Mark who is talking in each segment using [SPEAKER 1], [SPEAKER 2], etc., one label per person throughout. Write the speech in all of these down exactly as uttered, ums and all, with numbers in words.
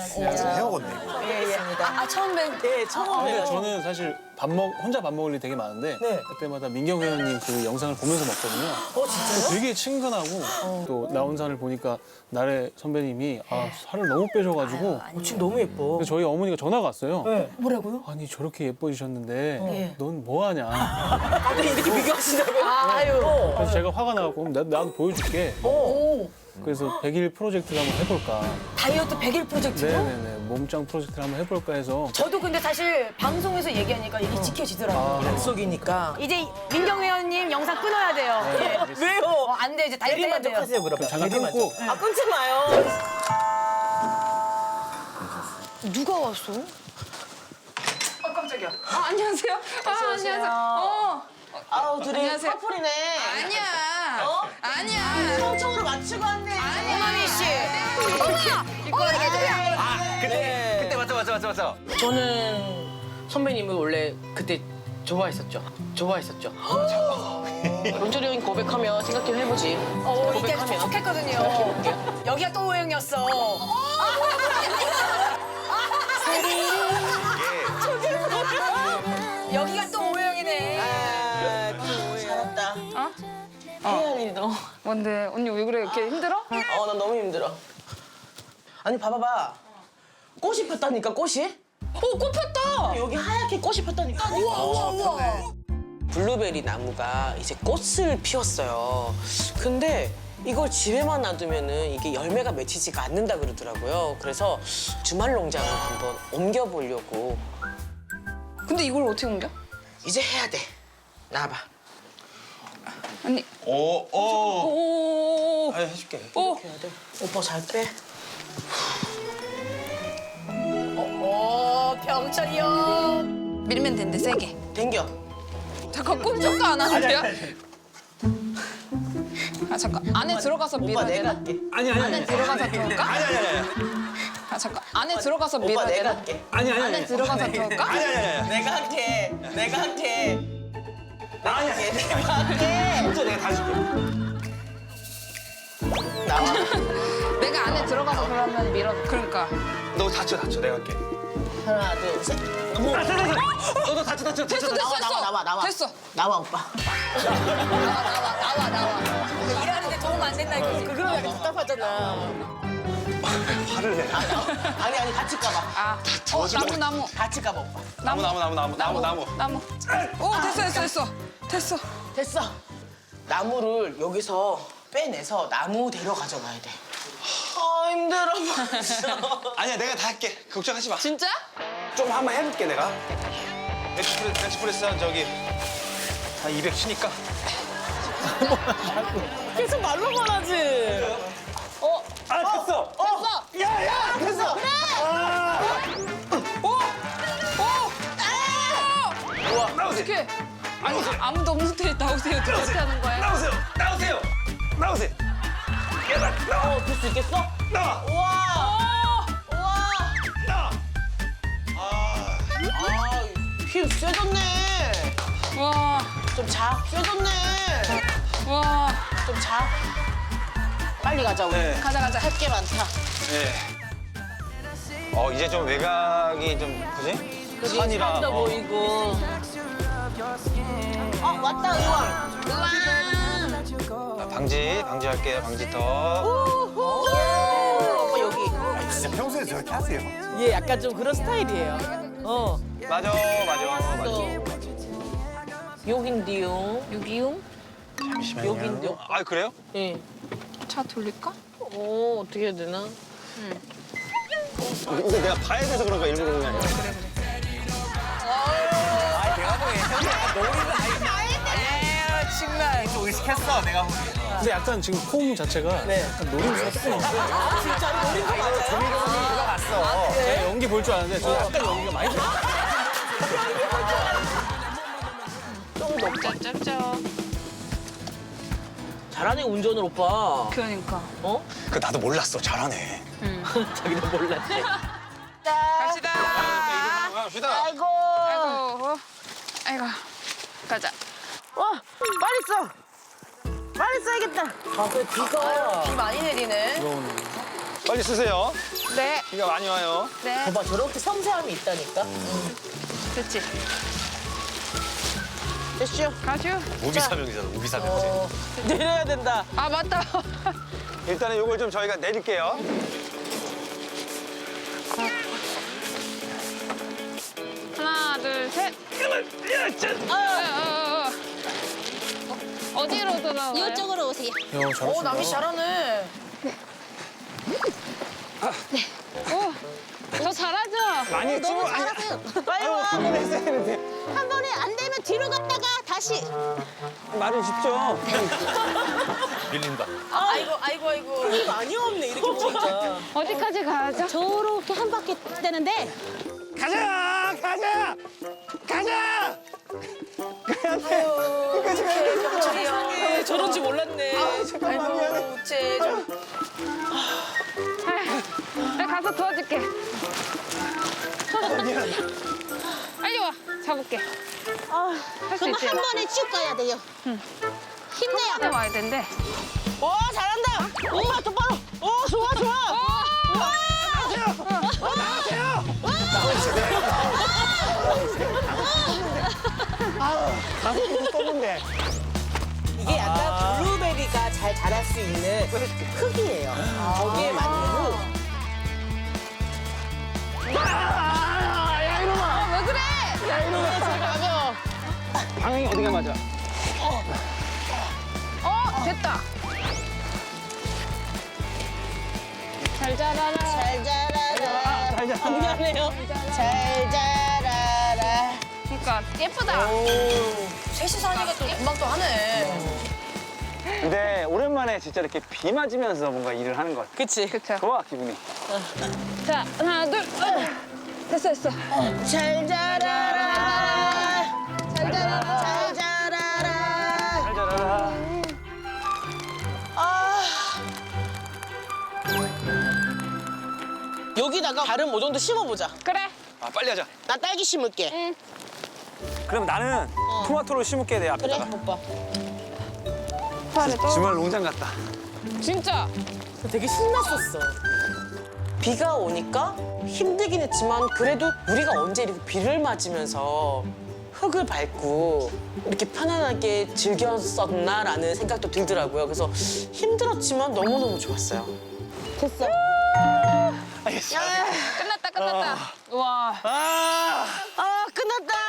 [SPEAKER 1] 안녕하세요.
[SPEAKER 2] 헤어건네.
[SPEAKER 1] 예, 예. 아, 아, 처음 뵌.
[SPEAKER 3] 네, 처음
[SPEAKER 4] 근데
[SPEAKER 3] 뵈요.
[SPEAKER 4] 저는 사실 밥 먹, 혼자 밥 먹을 일이 되게 많은데
[SPEAKER 3] 네.
[SPEAKER 4] 그때마다 민경 회원님 그 영상을 보면서 먹거든요.
[SPEAKER 3] 어, 진짜요?
[SPEAKER 4] 되게 친근하고 또 나온 살을 보니까 나래 선배님이 아, 살을 너무 빼셔가지고
[SPEAKER 3] 어, 지금 너무 예뻐.
[SPEAKER 4] 그래서 저희 어머니가 전화가 왔어요.
[SPEAKER 3] 네. 뭐라고요?
[SPEAKER 4] 아니 저렇게 예뻐지셨는데
[SPEAKER 3] 네.
[SPEAKER 4] 넌 뭐하냐.
[SPEAKER 3] 갑자기 이렇게 비교하신다고요?
[SPEAKER 1] 아유.
[SPEAKER 4] 그래서 제가 화가 나고 나, 나도 보여줄게.
[SPEAKER 1] 오.
[SPEAKER 4] 그래서 백 일 프로젝트를 한번 해볼까.
[SPEAKER 1] 다이어트 백 일 프로젝트로?
[SPEAKER 4] 네네네. 몸짱 프로젝트를 한번 해볼까 해서.
[SPEAKER 1] 저도 근데 사실 방송에서 얘기하니까 이게 지켜지더라고요.
[SPEAKER 4] 아,
[SPEAKER 3] 약속이니까.
[SPEAKER 1] 이제 민경 회원님 영상 끊어야 돼요.
[SPEAKER 4] 네,
[SPEAKER 1] 어,
[SPEAKER 4] 알겠습니다.
[SPEAKER 3] 왜요?
[SPEAKER 1] 안 돼, 이제 다이어트 해야 돼요.
[SPEAKER 3] 대리만족하세요, 그러면.
[SPEAKER 4] 잠깐
[SPEAKER 3] 대리만족.
[SPEAKER 4] 끊고.
[SPEAKER 3] 아, 끊지 마요.
[SPEAKER 1] 누가 왔어?
[SPEAKER 5] 어, 깜짝이야. 아, 안녕하세요. 아, 안녕하세요. 어.
[SPEAKER 3] 아우, 둘이
[SPEAKER 5] 안녕하세요.
[SPEAKER 3] 커플이네.
[SPEAKER 5] 아니야.
[SPEAKER 3] 어?
[SPEAKER 5] 아니야.
[SPEAKER 3] 청청으로 맞추고 왔네.
[SPEAKER 1] 호남이 씨.
[SPEAKER 5] 이거
[SPEAKER 6] 아, 그때 그때 맞죠 맞죠 맞죠 맞죠.
[SPEAKER 7] 저는 선배님을 원래 그때 좋아했었죠. 좋아했었죠. 런쥔이 형이 고백하면 생각 좀 해보지.
[SPEAKER 1] 어, 이때
[SPEAKER 7] 고백하면.
[SPEAKER 1] 촉촉했거든요. 여기가 또 오해영이었어. 여기가 또 오해영이네.
[SPEAKER 3] 아, 잘했다.
[SPEAKER 5] 어?
[SPEAKER 3] 해야 할 일이 너무.
[SPEAKER 5] 뭔데? 언니 왜 그래? 이렇게 힘들어?
[SPEAKER 3] 어, 나 너무 힘들어. 아니, 봐봐봐. 꽃이 폈다니까, 꽃이?
[SPEAKER 5] 어, 꽃 폈다.
[SPEAKER 3] 여기 하얗게 꽃이 폈다니까.
[SPEAKER 1] 우와, 우와, 우와.
[SPEAKER 7] 블루베리 나무가 이제 꽃을 피웠어요. 근데 이걸 집에만 놔두면은 이게 열매가 맺히지가 않는다 그러더라고요. 그래서 주말 농장을 한번 옮겨보려고.
[SPEAKER 5] 근데 이걸 어떻게 옮겨?
[SPEAKER 7] 이제 해야 돼. 나와봐.
[SPEAKER 5] 언니.
[SPEAKER 6] 오 오.
[SPEAKER 5] 오.
[SPEAKER 6] 아 해줄게.
[SPEAKER 5] 오.
[SPEAKER 7] 해야 돼. 오빠 잘 빼.
[SPEAKER 1] 오, 병철이 형.
[SPEAKER 5] 밀면 된대 세게.
[SPEAKER 7] 당겨.
[SPEAKER 5] 잠깐 꼼짝도 안 하는데요? 아 잠깐 안에 들어가서 밀어야
[SPEAKER 3] 오빠 내가
[SPEAKER 5] 되나?
[SPEAKER 3] 할게.
[SPEAKER 6] 아니 아니
[SPEAKER 5] 안에
[SPEAKER 6] 아니.
[SPEAKER 5] 들어가서 들어올까?
[SPEAKER 6] 아니 아니 아니.
[SPEAKER 5] 아 잠깐 안에 들어가서
[SPEAKER 3] 오빠
[SPEAKER 5] 밀어야
[SPEAKER 3] 내가
[SPEAKER 5] 되나?
[SPEAKER 3] 할게.
[SPEAKER 6] 아니 아니
[SPEAKER 5] 안에
[SPEAKER 6] 아니.
[SPEAKER 5] 들어가서 들어올까?
[SPEAKER 6] 아니 아니 아니.
[SPEAKER 3] 내가 할게. 내가 할게.
[SPEAKER 6] 아니 아니.
[SPEAKER 3] 내가 할게.
[SPEAKER 6] 진짜 내가 다 줄게.
[SPEAKER 3] 나와.
[SPEAKER 5] 내가 안에 들어가서 그러면 밀어. 그러니까.
[SPEAKER 6] 너 다쳐 다쳐 내가 할게.
[SPEAKER 3] 하나, 둘, 셋. 너무.
[SPEAKER 6] 아 됐어 됐어. 너도 다쳐 다쳐
[SPEAKER 5] 됐어
[SPEAKER 6] 다쳐.
[SPEAKER 5] 됐어
[SPEAKER 3] 나와,
[SPEAKER 5] 됐어.
[SPEAKER 3] 나와, 나와, 나와.
[SPEAKER 5] 됐어.
[SPEAKER 3] 나와, 오빠.
[SPEAKER 1] 나와, 나와. 일하는데 도움 안 된다, 이거지.
[SPEAKER 3] 그럼 약간 답답하잖아.
[SPEAKER 6] 화를 내.
[SPEAKER 3] 아니, 아니, 다칠까봐.
[SPEAKER 5] 아. 어 나무 나무
[SPEAKER 3] 다칠까봐, 오빠.
[SPEAKER 6] 나무 나무 나무 나무 나무 나무.
[SPEAKER 5] 나무. 오 됐어 됐어 됐어. 됐어.
[SPEAKER 3] 됐어. 나무를 여기서 빼내서 나무 데려 가져가야 돼. 아, 힘들어.
[SPEAKER 6] 아니야 내가 다 할게. 걱정하지 마.
[SPEAKER 5] 진짜?
[SPEAKER 6] 좀 한번 해볼게 내가. 벤치프레스 벤치프레스 한 저기 한 이백 치니까.
[SPEAKER 3] 계속 말로만 하지. 어?
[SPEAKER 6] 아 됐어.
[SPEAKER 3] 됐어. 야야 됐어. 그래.
[SPEAKER 5] 오. 오.
[SPEAKER 6] 우와 나오세요.
[SPEAKER 5] 어떻게? 아니 아무도 없는 데 나오세요. 어떻게 하는 거야?
[SPEAKER 6] 나오세요. 나오세요. 나오세요. 얘들아 나와.
[SPEAKER 3] 어, 될 수 있겠어?
[SPEAKER 6] 나와.
[SPEAKER 3] 우와. 우와.
[SPEAKER 6] 나와. 아.
[SPEAKER 3] 아, 힘 세졌네.
[SPEAKER 5] 와.
[SPEAKER 3] 좀 자. 세졌네.
[SPEAKER 5] 와.
[SPEAKER 3] 좀 자. 빨리 가자, 우리.
[SPEAKER 6] 네.
[SPEAKER 5] 가자 가자.
[SPEAKER 3] 할 게 많다.
[SPEAKER 6] 네. 어 이제 좀 외곽이 좀 그지? 산이라.
[SPEAKER 3] 산도
[SPEAKER 6] 어.
[SPEAKER 3] 보이고. 어, 왔다, 의왕.
[SPEAKER 6] 아, 방지 방지할게요 방지턱.
[SPEAKER 3] 오빠 여기.
[SPEAKER 2] 진짜 평소에 저렇게 하세요?
[SPEAKER 3] 얘 약간 좀 그런 스타일이에요. 어.
[SPEAKER 6] 맞아 맞아 맞아.
[SPEAKER 3] 여긴데요.
[SPEAKER 5] 여기요?
[SPEAKER 6] 잠시만요.
[SPEAKER 3] 여긴데요.
[SPEAKER 6] 아 그래요?
[SPEAKER 3] 예.
[SPEAKER 5] 차 돌릴까?
[SPEAKER 3] 어, 어떻게 해야 되나?
[SPEAKER 6] 이거 내가 봐야 돼서 그런 거야 일부러 그런 게 아니야.
[SPEAKER 2] 아, 내가 보기엔 형이 약간 노리는 아니야. 정말. 좀 의식했어, 내가 보기엔.
[SPEAKER 4] 근데 약간 지금 폼 자체가
[SPEAKER 3] 네.
[SPEAKER 4] 약간 노림수가 조금 있어요.
[SPEAKER 3] 진짜 노린 거 맞아요?
[SPEAKER 2] 조미경이 들어갔어.
[SPEAKER 4] 제가 연기 볼 줄 아는데 저 약간 연기가 많이 돼요.
[SPEAKER 5] 짭짭짭.
[SPEAKER 3] 잘하네, 운전을, 오빠.
[SPEAKER 5] 그러니까.
[SPEAKER 3] 어?
[SPEAKER 6] 그 나도 몰랐어 잘하네.
[SPEAKER 3] 자기도 몰랐지.
[SPEAKER 5] 갑시다.
[SPEAKER 6] 갑시다.
[SPEAKER 3] 아이고.
[SPEAKER 5] 아이고. 아이고. 가자.
[SPEAKER 3] 와, 빨리 써. 빨리 써야겠다. 아, 그 비가.
[SPEAKER 1] 비 많이 내리네.
[SPEAKER 6] 빨리 쓰세요.
[SPEAKER 5] 네,
[SPEAKER 6] 비가 많이 와요.
[SPEAKER 5] 네.
[SPEAKER 3] 봐봐, 저렇게 섬세함이 있다니까.
[SPEAKER 5] 그렇지.
[SPEAKER 3] 됐죠?
[SPEAKER 5] 가슈.
[SPEAKER 6] 우비사명이잖아, 우비사명제.
[SPEAKER 3] 내려야 된다.
[SPEAKER 5] 아, 맞다.
[SPEAKER 6] 일단은 요걸 좀 저희가 내릴게요.
[SPEAKER 5] 하나, 둘, 셋. 어, 어, 어. 어, 어디로 돌아와요?
[SPEAKER 8] 이쪽으로 오세요.
[SPEAKER 4] 야,
[SPEAKER 1] 오,
[SPEAKER 4] 잘하신다.
[SPEAKER 1] 남이 씨 잘하네.
[SPEAKER 5] 오, 저 잘하죠?
[SPEAKER 6] 많이
[SPEAKER 8] 너무 잘하세요.
[SPEAKER 3] 빨리 와.
[SPEAKER 8] 한 번에 안 되면 뒤로 갔다가 다시.
[SPEAKER 6] 말을 쉽죠. 밀린다.
[SPEAKER 1] 아이고, 아이고, 아이고.
[SPEAKER 3] 힘이 많이 없네, 이렇게 보니까.
[SPEAKER 5] 어디까지 가야죠?
[SPEAKER 8] 저렇게 한 바퀴 되는데
[SPEAKER 6] 가자! 가자! 가자!
[SPEAKER 3] 세상에, 저런지 몰랐네.
[SPEAKER 1] 아이고, 우째 좀.
[SPEAKER 5] 내가 가서 도와줄게. 빨리 와, 잡을게. 할 수
[SPEAKER 8] 그럼
[SPEAKER 5] 있지?
[SPEAKER 8] 한 번에 쭉 가야 돼요.
[SPEAKER 5] 한번에
[SPEAKER 8] 힘내요.
[SPEAKER 5] 와야 된대.
[SPEAKER 3] 와, 잘한다. 오, 똑바로. 오, 좋아, 좋아. 이게 약간 블루베리가 잘 자랄 수 있는 흙이에요. 거기에 맞는 흙.
[SPEAKER 5] 아, 왜 그래?
[SPEAKER 6] 방향이 어디가 맞아?
[SPEAKER 5] 어, 됐다. 잘 자라라.
[SPEAKER 3] 잘 자라라.
[SPEAKER 6] 잘 자라.
[SPEAKER 3] 미안해요. 잘 자라라.
[SPEAKER 5] 그러니까 예쁘다.
[SPEAKER 1] 셋이서 하니까 또 금방 또 하네.
[SPEAKER 6] 근데 오랜만에 진짜 이렇게 비 맞으면서 뭔가 일을 하는 것 같아.
[SPEAKER 3] 그치?
[SPEAKER 5] 그쵸.
[SPEAKER 6] 좋아, 기분이.
[SPEAKER 5] 자, 하나, 둘. 어. 됐어, 됐어.
[SPEAKER 3] 잘 자라라. 잘 자라라. 잘 자라라.
[SPEAKER 6] 잘 자라라.
[SPEAKER 3] 아. 여기다가 다른 모종도 심어보자.
[SPEAKER 5] 그래.
[SPEAKER 6] 아, 빨리 하자.
[SPEAKER 3] 나 딸기 심을게.
[SPEAKER 5] 응.
[SPEAKER 6] 그럼 나는 토마토를 심을게, 내
[SPEAKER 3] 그래,
[SPEAKER 6] 앞에다가.
[SPEAKER 3] 오빠.
[SPEAKER 6] 주말 농장 같다.
[SPEAKER 5] 진짜.
[SPEAKER 3] 되게 신났었어. 비가 오니까 힘들긴 했지만 그래도 우리가 언제 이렇게 비를 맞으면서 흙을 밟고 이렇게 편안하게 즐겼었나라는 생각도 들더라고요. 그래서 힘들었지만 너무너무 좋았어요. 됐어.
[SPEAKER 6] 알겠어.
[SPEAKER 5] 끝났다, 끝났다. 우와.
[SPEAKER 6] 아!
[SPEAKER 3] 아, 끝났다.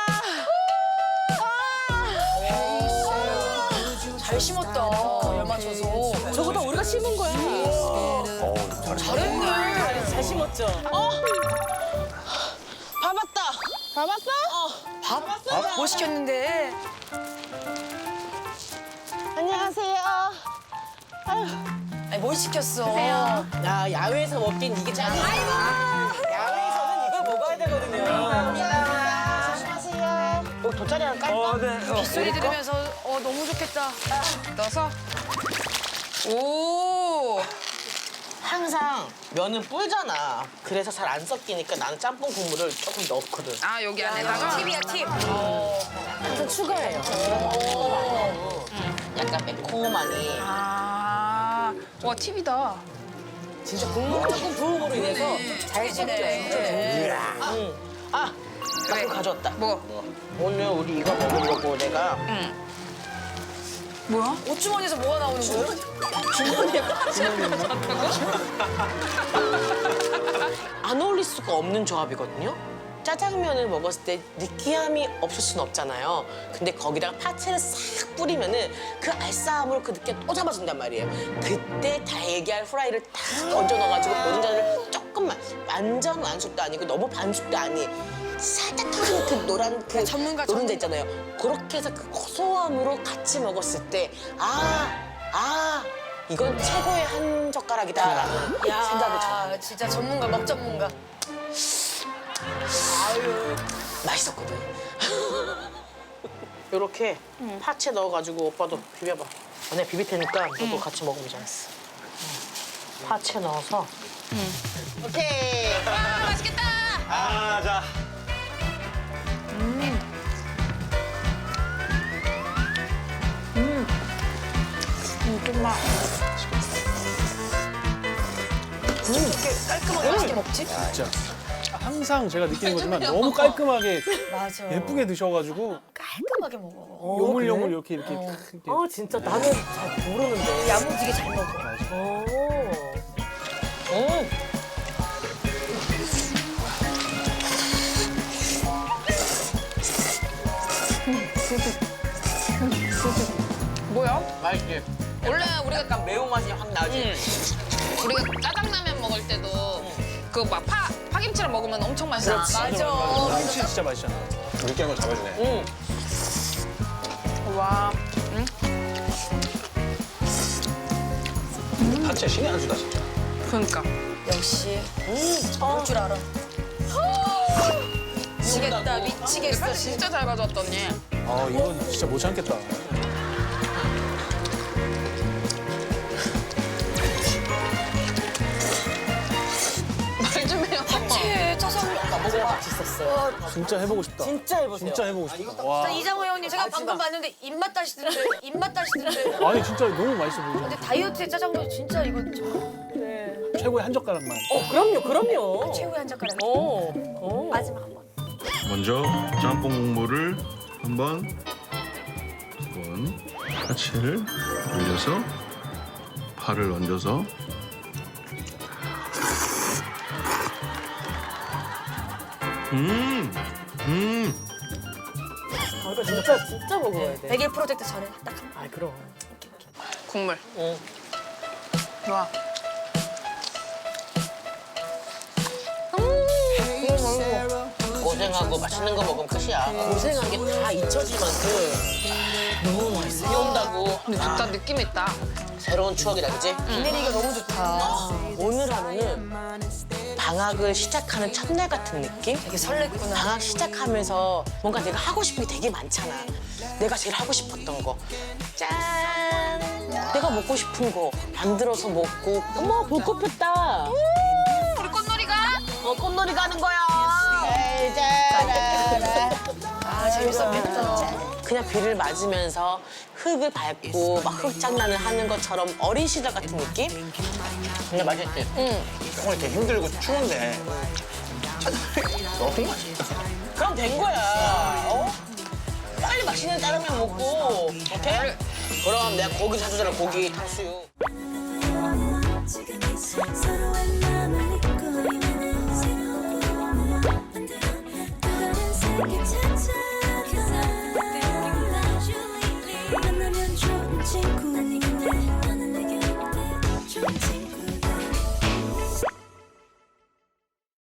[SPEAKER 1] 잘 심었다. 열 맞춰서.
[SPEAKER 3] 저거 다 우리가 심은 거야.
[SPEAKER 1] 잘했네.
[SPEAKER 3] 잘 심었죠? 어? 밥 왔다.
[SPEAKER 5] 밥 왔어?
[SPEAKER 3] 밥 왔어.
[SPEAKER 1] 뭐 시켰는데?
[SPEAKER 3] 안녕하세요.
[SPEAKER 1] 아니, 뭘 시켰어?
[SPEAKER 5] 드세요.
[SPEAKER 3] 야, 야외에서 먹긴 이게 짱이야. 야외에서는 이걸 먹어야 되거든요. 감사합니다. 조심하세요. 여기 돗자리 하나 깔까?
[SPEAKER 6] 어, 네. 어.
[SPEAKER 1] 소리 들으면서 어 너무 좋겠다. 넣어서. 오.
[SPEAKER 3] 항상 면은 불잖아. 그래서 잘 안 섞이니까 나는 짬뽕 국물을 조금 넣거든.
[SPEAKER 5] 아, 여기 안에다가?
[SPEAKER 1] 팁이야 팁.
[SPEAKER 3] 항상 추가해요. 약간 매콤하니.
[SPEAKER 5] 아, 와, 팁이다.
[SPEAKER 3] 진짜 국물 조금 부음으로 인해서 잘 섞여요. 응. 아, 나 그거 가져왔다.
[SPEAKER 5] 뭐?
[SPEAKER 3] 오늘 우리 이거 먹으려고 내가
[SPEAKER 5] 뭐야?
[SPEAKER 1] 옷주머니에서 뭐가 나오는 거예요?
[SPEAKER 3] 안 어울릴 수가 없는 조합이거든요. 짜장면을 먹었을 때 느끼함이 없을 순 없잖아요. 근데 거기다가 파채를 싹 뿌리면은 그 알싸함으로 그 느낌 또 잡아준단 말이에요. 그때 달걀 후라이를 딱 얹어 넣어가지고 노른자를 조금만 완전 완숙도 아니고 너무 반숙도 아니 살짝 터지는 그 노란 그
[SPEAKER 1] 전문가,
[SPEAKER 3] 노른자 있잖아요. 그렇게 해서 그 고소함으로 같이 먹었을 때 아, 아 이건 최고의 한 젓가락이다라는 생각을 저는
[SPEAKER 1] 야, 진짜 전문가, 먹 전문가.
[SPEAKER 3] 맛있었거든. 이렇게 파채 넣어가지고 오빠도 비벼봐. 내가 비빌 테니까 너도 같이 먹어보자 했어. 응. 파채 넣어서. 오케이.
[SPEAKER 5] 아, 맛있겠다.
[SPEAKER 6] 아, 자.
[SPEAKER 5] 좀만.
[SPEAKER 1] 깔끔하게 맛있게 먹지?
[SPEAKER 4] 진짜. 항상 제가 느끼는 거지만 너무 깔끔하게
[SPEAKER 1] 맞아.
[SPEAKER 4] 예쁘게 드셔가지고
[SPEAKER 1] 깔끔하게 먹어.
[SPEAKER 4] 요물요물 이렇게 이렇게 탁 이렇게.
[SPEAKER 3] 아 진짜 나는 잘 모르는데.
[SPEAKER 1] 야무지게 잘 먹어.
[SPEAKER 3] 오. 음.
[SPEAKER 5] 뭐야?
[SPEAKER 3] 맛있지.
[SPEAKER 5] 원래 우리가
[SPEAKER 3] 약간 매운맛이 확 나지.
[SPEAKER 5] 우리가 짜장라면 먹을 때도 그 막 파 파김치랑 먹으면 엄청 맛있어.
[SPEAKER 1] 맞아.
[SPEAKER 4] 김치 진짜 맛있잖아.
[SPEAKER 6] 느끼한 걸 잡아주네.
[SPEAKER 3] 응.
[SPEAKER 5] 와.
[SPEAKER 6] 파채 신의 한 수다 진짜.
[SPEAKER 5] 그러니까.
[SPEAKER 1] 역시 먹을 줄 알아. 미치겠다, 미치겠어.
[SPEAKER 5] 사실 진짜 잘 가져왔더니.
[SPEAKER 4] 아 이건 진짜 못 참겠다.
[SPEAKER 5] 말 좀 해요.
[SPEAKER 1] 채 짜장.
[SPEAKER 3] 먹어봐 맛있었어요.
[SPEAKER 4] 진짜 해보고 싶다.
[SPEAKER 3] 진짜 해보세요.
[SPEAKER 4] 진짜 해보고 싶다. 와.
[SPEAKER 1] 이장호 형님 제가 방금 봤는데 입맛 다시던데 입맛 다시던데.
[SPEAKER 4] 아니 진짜 너무 맛있어 보이잖아.
[SPEAKER 1] 근데 다이어트에 짜장면 진짜 이거 저-
[SPEAKER 4] 최고의 한 젓가락만.
[SPEAKER 3] 어 그럼요 그럼요.
[SPEAKER 1] 최후의 한 젓가락.
[SPEAKER 3] 어. 어.
[SPEAKER 1] 마지막 한 번.
[SPEAKER 9] 먼저 짬뽕 국물을 한번 두 번 파채를 올려서 파를 얹어서 음, 음.
[SPEAKER 3] 아, 이거 진짜 진짜 먹어야 돼.
[SPEAKER 1] 백일 프로젝트 전에 딱 한 번.
[SPEAKER 3] 아 그럼.
[SPEAKER 5] 국물.
[SPEAKER 3] 응.
[SPEAKER 5] 좋아.
[SPEAKER 3] 고생하고 맛있는 거 먹으면 끝이야. 고생한 게 다 잊혀질 만큼 너무 맛있어. 비 온다고.
[SPEAKER 5] 근데 좋다 느낌 있다.
[SPEAKER 3] 새로운 추억이다, 그지?
[SPEAKER 1] 비 내리기가 너무 좋다.
[SPEAKER 3] 오늘 하루는 방학을 시작하는 첫날 같은 느낌?
[SPEAKER 1] 되게 설렜구나.
[SPEAKER 3] 방학 시작하면서 뭔가 내가 하고 싶은 게 되게 많잖아. 내가 제일 하고 싶었던 거. 짠! 내가 먹고 싶은 거 만들어서 먹고. 어머, 불꽃 폈다.
[SPEAKER 5] 우리 꽃놀이가?
[SPEAKER 3] 어, 꽃놀이 가는 거야. 짜라라.
[SPEAKER 1] 아 재밌었겠다.
[SPEAKER 3] 그냥 비를 맞으면서 흙을 밟고 막 흙장난을 하는 것처럼 어린 시절 같은 느낌? 근데 맛있지? 응.
[SPEAKER 6] 정말 이렇게 힘들고 추운데 짜장면이 너무 맛있다.
[SPEAKER 3] 그럼 된 거야. 어? 빨리 맛있는 짜장면 먹고. 오케이? 그럼 내가 고기 사주잖아, 고기 탕수육.
[SPEAKER 10] 지금 이 서로의 마음을